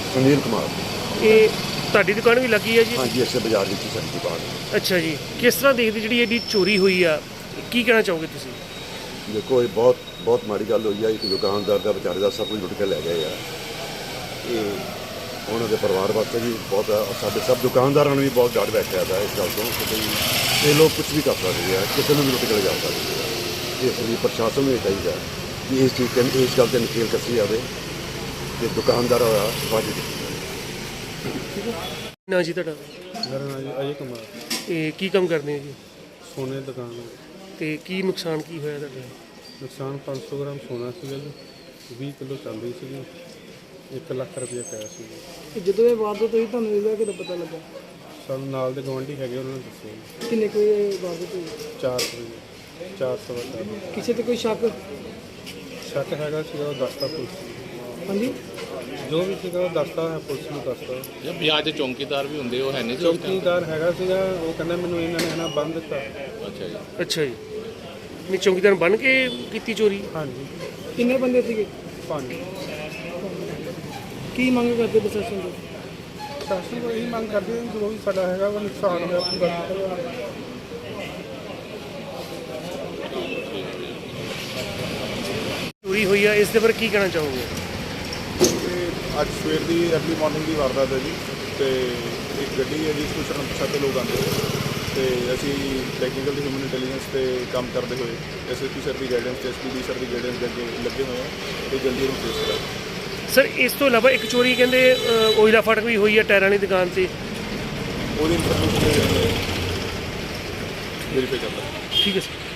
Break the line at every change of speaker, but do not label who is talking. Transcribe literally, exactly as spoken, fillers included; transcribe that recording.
ਸੁਨੀਲ ਕੁਮਾਰ।
ਇਹ ਤੁਹਾਡੀ ਦੁਕਾਨ ਵੀ ਲੱਗੀ ਹੈ ਜੀ?
ਹਾਂਜੀ, ਇਸੇ ਬਾਜ਼ਾਰ ਵਿੱਚ ਹੀ ਸਾਡੀ ਦੁਕਾਨ ਹੈ।
ਅੱਛਾ ਜੀ, ਕਿਸ ਤਰ੍ਹਾਂ ਦੇਖਦੇ ਜਿਹੜੀ ਇਹਦੀ ਚੋਰੀ ਹੋਈ ਆ, ਕੀ ਕਹਿਣਾ ਚਾਹੋਗੇ ਤੁਸੀਂ?
ਦੇਖੋ, ਇਹ ਬਹੁਤ ਬਹੁਤ ਮਾੜੀ ਗੱਲ ਹੋਈ ਆ। ਇੱਕ ਦੁਕਾਨਦਾਰ ਦਾ ਵਿਚਾਰੇ ਦਾ ਸਭ ਕੁਝ ਲੁੱਟ ਕੇ ਲੈ ਗਏ ਆ। ਇਹ ਉਹਨਾਂ ਦੇ ਪਰਿਵਾਰ ਵਾਸਤੇ ਵੀ ਬਹੁਤ ਆ, ਸਾਡੇ ਸਭ ਦੁਕਾਨਦਾਰਾਂ ਨੂੰ ਵੀ ਬਹੁਤ ਡਰ ਬੈਠਿਆ ਦਾ ਇਸ ਗੱਲ ਤੋਂ ਕਿ ਬਈ ਇਹ ਲੋਕ ਕੁਝ ਵੀ ਕਰ ਸਕਦੇ ਆ, ਕਿਸੇ ਨੂੰ ਵੀ ਲੁੱਟ ਕੇ ਲੈ ਜਾ ਸਕਦੇ ਆ। ਇਸ ਲਈ ਪ੍ਰਸ਼ਾਸਨ ਨੂੰ ਇਹ ਚਾਹੀਦਾ ਕਿ ਇਸ ਚੀਜ਼ 'ਤੇ ਇਸ ਗੱਲ 'ਤੇ ਨਕੇਲ ਕੱਸੀ ਜਾਵੇ ਕਿ ਦੁਕਾਨਦਾਰ ਹੋਇਆ ਵੱਜ
ਨਾ ਜੀ ਤੁਹਾਡਾ?
ਮੇਰਾ ਨਾਮ ਜੀ ਅਜੇ ਕੁਮਾਰ।
ਇਹ ਕੀ ਕੰਮ ਕਰਦੇ ਹੋ ਜੀ?
ਸੋਨੇ ਦੀ ਦੁਕਾਨ ਹੈ।
ਤੇ ਕੀ ਨੁਕਸਾਨ ਕੀ ਹੋਇਆ ਤੁਹਾਡਾ?
ਨੁਕਸਾਨ ਪੰਜ ਸੌ ਗ੍ਰਾਮ ਸੋਨਾ ਸੀਗਾ ਜੀ, ਵੀਹ ਕਿਲੋ ਚਾਂਦੀ ਸੀਗੀ, ਇੱਕ ਲੱਖ ਰੁਪਏ ਪਿਆ ਸੀ ਜੀ।
ਜਦੋਂ ਇਹ ਵਾਰਦਾਤ ਹੋਈ ਤੁਹਾਨੂੰ ਇਹਦਾ ਕਿਦੋਂ ਪਤਾ ਲੱਗਾ?
ਸਾਨੂੰ ਨਾਲ ਦੇ ਗੁਆਂਢੀ ਹੈਗੇ ਉਹਨਾਂ ਨੇ ਦੱਸਿਆ।
ਕਿੰਨੇ ਕੋਈ ਵਾਰਦਾਤ ਹੋਈ?
ਚਾਰ ਵਜੇ ਚਾਰ ਸਵਾ ਚਾਰ।
ਕਿਸੇ ਤੇ ਕੋਈ ਸ਼ੱਕ?
ਸ਼ੱਕ ਹੈਗਾ ਸੀਗਾ, ਉਹ ਦੱਸਦਾ ਪੁਲਿਸ।
ਹਾਂਜੀ,
ਜੋ ਵੀ ਸੀਗਾ ਉਹ ਦੱਸਦਾ ਹੈ, ਪੁਲਿਸ ਨੂੰ ਦੱਸਦਾ।
ਜੇ ਬਾਜ਼ਾਰ 'ਚ ਚੌਂਕੀਦਾਰ ਵੀ ਹੁੰਦੇ, ਉਹ ਹੈ ਨਹੀਂ ਸੀ ਉਸ time?
ਚੌਕੀਦਾਰ ਹੈਗਾ ਸੀਗਾ, ਉਹ ਕਹਿੰਦਾ ਮੈਨੂੰ ਇਹਨਾਂ ਨੇ ਨਾ ਬੰਦ ਦਿੱਤਾ।
ਅੱਛਾ ਜੀ।
ਅੱਛਾ ਜੀ, ਨਹੀਂ ਚੌਂਕੀਦਾਰ ਬਣ ਕੇ ਕੀਤੀ ਚੋਰੀ?
ਹਾਂਜੀ,
ਕਿੰਨੇ ਬੰਦੇ ਸੀਗੇ?
ਪੰਜ।
ਕੀ ਮੰਗ ਕਰਦੇ ਪ੍ਰਸ਼ਾਸਨ ਤੋਂ?
ਸ਼ਾਸਨ ਨੂੰ ਇਹੀ ਮੰਗ ਕਰਦੇ ਹਾਂ ਜੋ ਵੀ ਸਾਡਾ ਹੈਗਾ ਉਹ ਨੁਕਸਾਨ ਹੋਇਆ ਪੂਰਾ।
ਚੋਰੀ ਹੋਈ ਆ, ਇਸ ਦੇ ਬਾਰੇ ਕੀ ਕਹਿਣਾ ਚਾਹੋਗੇ?
ਅੱਜ ਸਵੇਰ ਦੀ ਅਰਲੀ ਮਾਰਨਿੰਗ ਦੀ ਵਾਰਦਾਤ ਹੈ ਜੀ, ਤੇ ਇੱਕ ਗੱਡੀ ਹੈ ਜਿਸ ਵਿੱਚ ਅਣਪਛਾਤੇ ਲੋਕ ਆਉਂਦੇ ਤੇ ਅਸੀਂ ਟੈਕਨੀਕਲ ਤੇ ਹਿਊਮਨ ਇੰਟੈਲੀਜੈਂਸ ਤੇ ਕੰਮ ਕਰਦੇ ਹੋਏ ਐਸ ਐਸ ਪੀ ਸਰ ਦੀ ਗਾਈਡੈਂਸ ਤੇ ਐਸ ਪੀ ਡੀ ਸਰ ਦੀ ਗਾਈਡੈਂਸ ਦੇ ਅੱਗੇ ਲੱਗੇ ਹੋਏ ਹਾਂ ਤੇ ਜਲਦੀ ਉਹਨੂੰ ਟ੍ਰੇਸ ਕਰਾਂਗੇ।
ਸਰ, ਇਸ ਤੋਂ ਇਲਾਵਾ ਇੱਕ ਚੋਰੀ ਕਹਿੰਦੇ ਅ, ਓਇਲਾ ਫਾਟਕ ਵੀ ਹੋਈ ਆ ਟਾਇਰਾਂ ਵਾਲੀ ਦੁਕਾਨ ਤੇ,
ਉਹਦੀ ਇਨਫੋਰਮੇਸ਼ਨ ਵੈਰੀਫਾਈ ਕਰਦਾ।
ਠੀਕ ਹੈ ਸਰ।